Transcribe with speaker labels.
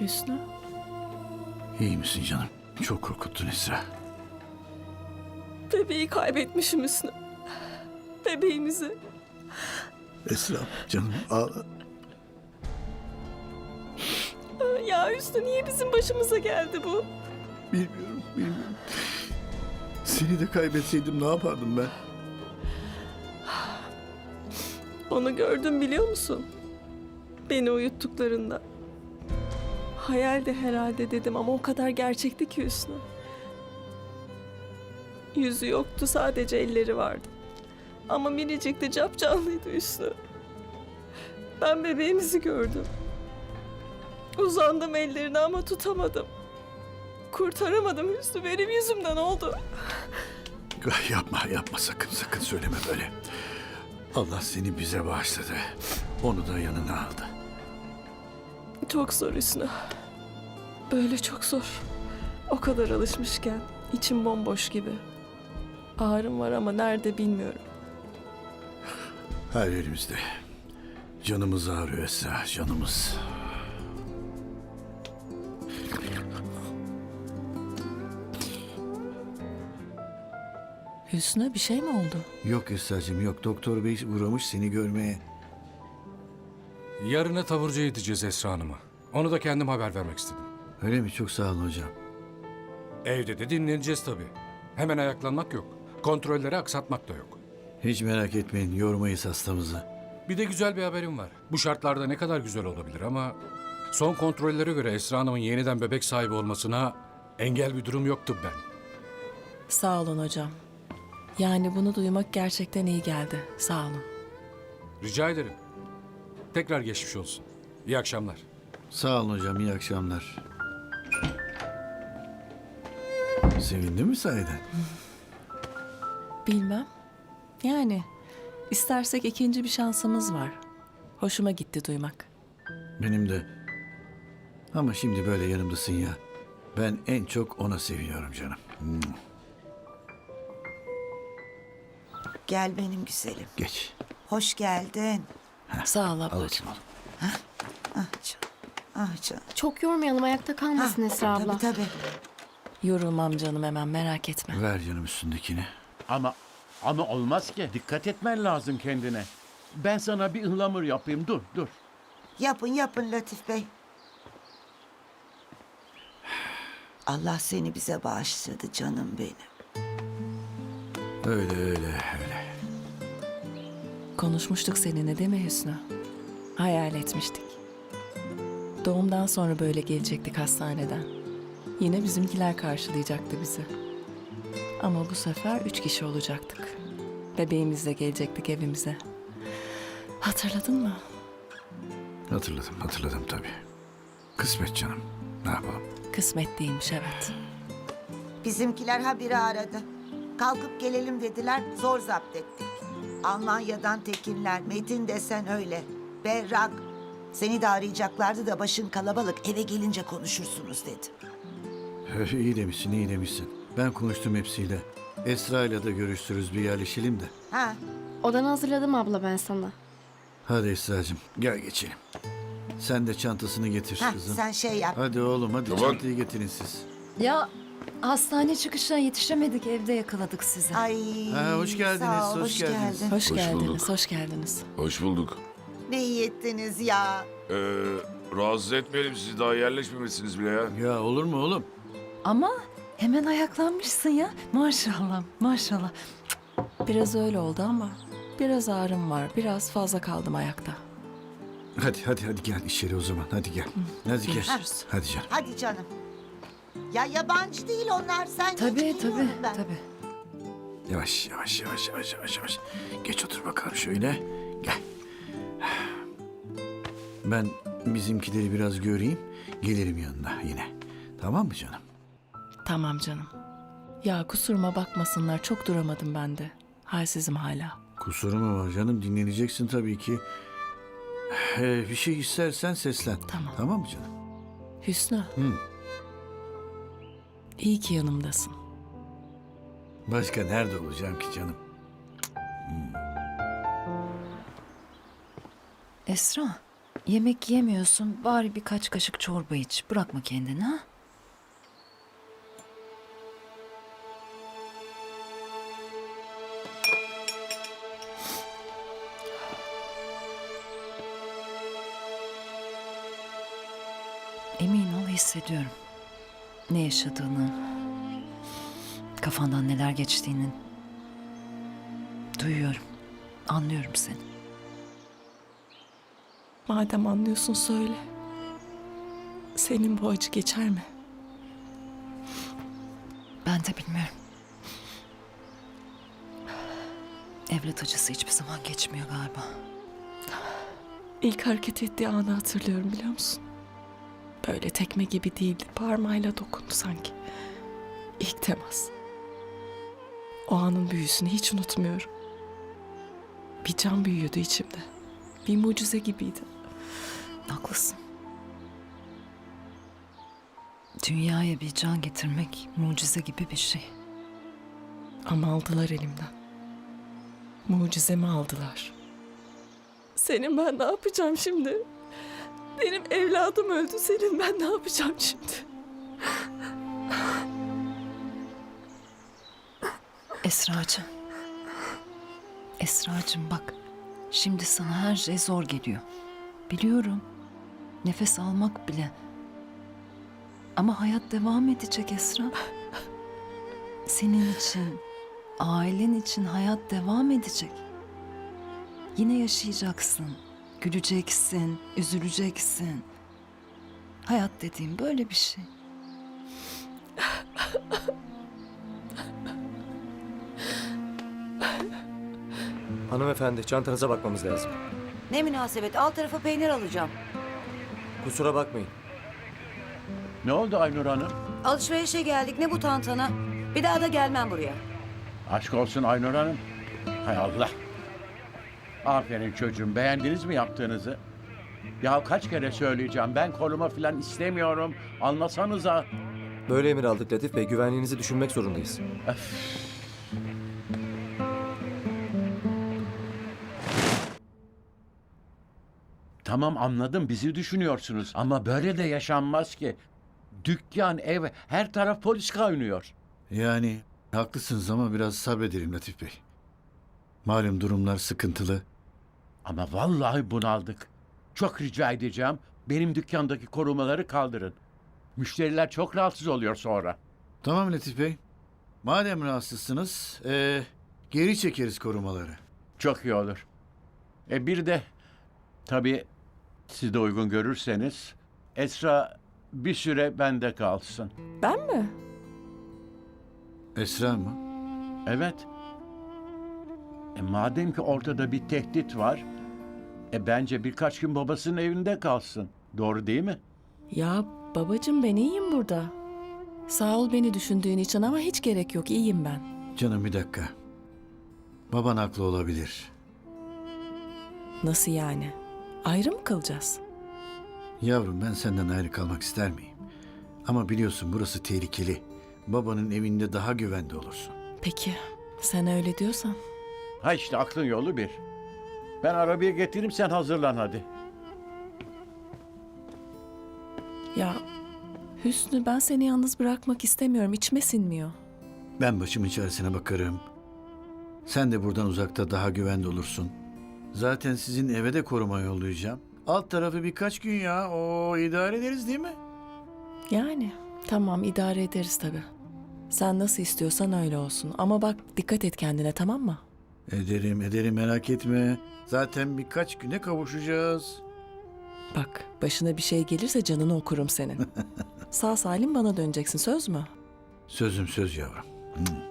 Speaker 1: Hüsnü?
Speaker 2: İyi misin canım? Çok korkuttun Esra.
Speaker 1: Bebeği kaybetmişim Hüsnü. Bebeğimizi.
Speaker 2: Esra canım ağla.
Speaker 1: Ya Hüsnü niye bizim başımıza geldi bu?
Speaker 2: Bilmiyorum. Seni de kaybetseydim ne yapardım ben?
Speaker 1: Onu gördüm biliyor musun? Beni uyuttuklarında. Hayal de herhalde dedim ama o kadar gerçekti ki Hüsnü. Yüzü yoktu, sadece elleri vardı. Ama minicik de capcanlıydı Hüsnü. Ben bebeğimizi gördüm. Uzandım ellerine ama tutamadım. Kurtaramadım Hüsnü, benim yüzümden oldu.
Speaker 2: Yapma sakın söyleme böyle. Allah seni bize bağışladı. Onu da yanına aldı.
Speaker 1: Çok zor Hüsnü. Böyle çok zor. O kadar alışmışken içim bomboş gibi. Ağrım var ama nerede bilmiyorum.
Speaker 2: Her yerimizde. Canımız ağrıyor Esra, canımız.
Speaker 1: Hüsnü bir şey mi oldu?
Speaker 2: Yok Esra'cığım yok. Doktor bey uğramış seni görmeye.
Speaker 3: Yarına taburcuya gideceğiz Esra Hanım'a. Onu da kendim haber vermek istedim.
Speaker 2: Öyle mi? Çok sağ olun hocam.
Speaker 3: Evde de dinleneceğiz tabii. Hemen ayaklanmak yok. Kontrolleri aksatmak da yok.
Speaker 2: Hiç merak etmeyin, yormayız hastamızı.
Speaker 3: Bir de güzel bir haberim var. Bu şartlarda ne kadar güzel olabilir ama... Son kontrollere göre Esra Hanım'ın yeniden bebek sahibi olmasına engel bir durum yoktu ben.
Speaker 1: Sağ olun hocam. Yani bunu duymak gerçekten iyi geldi. Sağ olun.
Speaker 3: Rica ederim. Tekrar geçmiş olsun. İyi akşamlar.
Speaker 2: Sağ olun hocam, iyi akşamlar. Sevindin mi sahiden?
Speaker 1: Bilmem. Yani istersek ikinci bir şansımız var. Hoşuma gitti duymak.
Speaker 2: Benim de. Ama şimdi böyle yanımdasın ya. Ben en çok ona seviniyorum canım.
Speaker 4: Gel benim güzelim.
Speaker 2: Geç.
Speaker 4: Hoş geldin.
Speaker 1: Sağ ol
Speaker 2: Al
Speaker 1: ablacığım.
Speaker 2: bakayım.
Speaker 4: Ah canım. Ah canım.
Speaker 5: Çok yormayalım, ayakta kalmasın Esra abla.
Speaker 4: Tabii.
Speaker 1: Yorulmam canım, hemen merak etme.
Speaker 2: Ver canım üstündekini.
Speaker 6: Ama olmaz ki. Dikkat etmen lazım kendine. Ben sana bir ıhlamur yapayım. Dur.
Speaker 4: Yapın Latif Bey. Allah seni bize bağışladı canım benim.
Speaker 2: Öyle.
Speaker 1: Konuşmuştuk seninle değil mi Hüsnü? Hayal etmiştik. Doğumdan sonra böyle gelecektik hastaneden. Yine bizimkiler karşılayacaktı bizi. Ama bu sefer 3 kişi olacaktık. Bebeğimizle gelecektik evimize. Hatırladın mı?
Speaker 2: Hatırladım tabii. Kısmet canım. Ne yapalım?
Speaker 1: Kısmet değilmiş, evet.
Speaker 4: Bizimkiler habire aradı. Kalkıp gelelim dediler. Zor zapt ettik. Almanya'dan Tekinler. Metin desen öyle. Berrak. Seni de arayacaklardı da başın kalabalık. Eve gelince konuşursunuz dedi.
Speaker 2: İyi demişsin. Ben konuştum hepsiyle. Esra ile de görüşürüz, bir yerleşelim de.
Speaker 4: Ha,
Speaker 5: Odanı hazırladım abla ben sana.
Speaker 2: Hadi Esra'cığım gel geçelim. Sen de çantasını getir kızım.
Speaker 4: sen şey yap.
Speaker 2: Hadi oğlum hadi çantayı getirin siz.
Speaker 7: Ya hastane çıkışına yetişemedik, evde yakaladık sizi.
Speaker 4: Ay.
Speaker 2: Hoş geldiniz,
Speaker 4: sağ ol,
Speaker 2: hoş geldiniz.
Speaker 4: geldin.
Speaker 1: Hoş geldiniz,
Speaker 8: bulduk.
Speaker 1: hoş geldiniz.
Speaker 8: Hoş bulduk.
Speaker 4: Ne iyi ettiniz ya.
Speaker 8: Rahatsız etmeyelim sizi, daha yerleşmemişsiniz bile ya.
Speaker 2: Ya olur mu oğlum?
Speaker 7: Ama hemen ayaklanmışsın ya. Maşallah.
Speaker 1: Biraz öyle oldu ama biraz ağrım var. Biraz fazla kaldım ayakta.
Speaker 2: Hadi gel içeri o zaman, hadi gel. Hadi gel.
Speaker 1: Görüşürüz.
Speaker 2: Hadi canım.
Speaker 4: Hadi canım. Ya yabancı değil onlar. Sen geç, geliyorum ben.
Speaker 7: Tabii.
Speaker 2: Yavaş. Geç otur bakalım şöyle. Gel. Ben bizimkileri biraz göreyim. Gelirim yanına yine. Tamam mı canım?
Speaker 1: Tamam canım. Ya kusuruma bakmasınlar, çok duramadım ben de. Halsizim hala.
Speaker 2: Kusuru mu var canım? Dinleneceksin tabii ki. Bir şey istersen seslen.
Speaker 1: Tamam.
Speaker 2: Tamam mı canım?
Speaker 1: Hüsnü. İyi ki yanımdasın.
Speaker 2: Başka nerede olacağım ki canım?
Speaker 7: Esra, Yemek yemiyorsun, bari birkaç kaşık çorba iç. Bırakma kendini ha. Emin ol hissediyorum. Ne yaşadığını, kafandan neler geçtiğini duyuyorum. Anlıyorum seni.
Speaker 1: Madem anlıyorsun söyle. Senin bu acı geçer mi?
Speaker 7: Ben de bilmiyorum. Evlat acısı hiçbir zaman geçmiyor galiba.
Speaker 1: İlk hareket ettiği anı hatırlıyorum biliyor musun? Böyle tekme gibi değildi. Parmağıyla dokundu sanki. İlk temas. O anın büyüsünü hiç unutmuyorum. Bir can büyüyordu içimde. Bir mucize gibiydi.
Speaker 7: Haklısın. Dünyaya bir can getirmek mucize gibi bir şey.
Speaker 1: Ama aldılar elimden. Mucizemi aldılar. Senin ben ne yapacağım şimdi? Benim evladım öldü. Senin ben ne yapacağım şimdi?
Speaker 7: Esracığım. Esracığım bak. Şimdi sana her şey zor geliyor. Biliyorum. Nefes almak bile. Ama hayat devam edecek Esra. Senin için, ailen için hayat devam edecek. Yine yaşayacaksın. Güleceksin, üzüleceksin. Hayat dediğim böyle bir şey.
Speaker 9: Hanımefendi, çantanıza bakmamız lazım.
Speaker 10: Ne münasebet, alt tarafa peynir alacağım.
Speaker 9: Kusura bakmayın.
Speaker 6: Ne oldu Aynur Hanım?
Speaker 10: Alışverişe geldik, ne bu tantana? Bir daha da gelmem buraya.
Speaker 6: Aşk olsun Aynur Hanım. Hay Allah. Aferin çocuğum. Beğendiniz mi yaptığınızı? Ya kaç kere söyleyeceğim. Ben koruma falan istemiyorum. Anlasanıza.
Speaker 9: Böyle emir aldık Latif Bey, güvenliğinizi düşünmek zorundayız.
Speaker 6: Tamam anladım. Bizi düşünüyorsunuz. Ama böyle de yaşanmaz ki. Dükkan, ev, her taraf polis kaynıyor.
Speaker 2: Yani haklısınız ama biraz sabredelim Latif Bey. Malum durumlar sıkıntılı.
Speaker 6: Ama vallahi bunaldık. Çok rica edeceğim. Benim dükkandaki korumaları kaldırın. Müşteriler çok rahatsız oluyor sonra.
Speaker 2: Tamam Latif Bey. Madem rahatsızsınız, geri çekeriz korumaları.
Speaker 6: Çok iyi olur. Bir de tabii siz de uygun görürseniz Esra bir süre bende kalsın.
Speaker 1: Ben mi?
Speaker 2: Esra mı?
Speaker 6: Evet. Madem ki ortada bir tehdit var, bence birkaç gün babasının evinde kalsın. Doğru değil mi?
Speaker 1: Ya babacığım ben iyiyim burada. Sağ ol beni düşündüğün için ama hiç gerek yok. İyiyim ben.
Speaker 2: Canım bir dakika. Baban haklı olabilir.
Speaker 1: Nasıl yani? Ayrı mı kalacağız?
Speaker 2: Yavrum ben senden ayrı kalmak ister miyim? Ama biliyorsun burası tehlikeli. Babanın evinde daha güvende olursun.
Speaker 1: Peki sen öyle diyorsan.
Speaker 6: Ha işte aklın yolu bir. Ben arabayı getireyim sen hazırlan hadi.
Speaker 1: Ya Hüsnü ben seni yalnız bırakmak istemiyorum. İçime sinmiyor.
Speaker 2: Ben başımın çaresine bakarım. Sen de buradan uzakta daha güvende olursun. Zaten sizin eve de koruma yollayacağım. Alt tarafı birkaç gün ya. O idare ederiz değil mi?
Speaker 1: Yani tamam idare ederiz tabii. Sen nasıl istiyorsan öyle olsun. Ama bak dikkat et kendine tamam mı?
Speaker 2: Ederim merak etme. Zaten birkaç güne kavuşacağız.
Speaker 1: Bak başına bir şey gelirse canını okurum senin. Sağ salim bana döneceksin söz mü?
Speaker 2: Sözüm söz yavrum.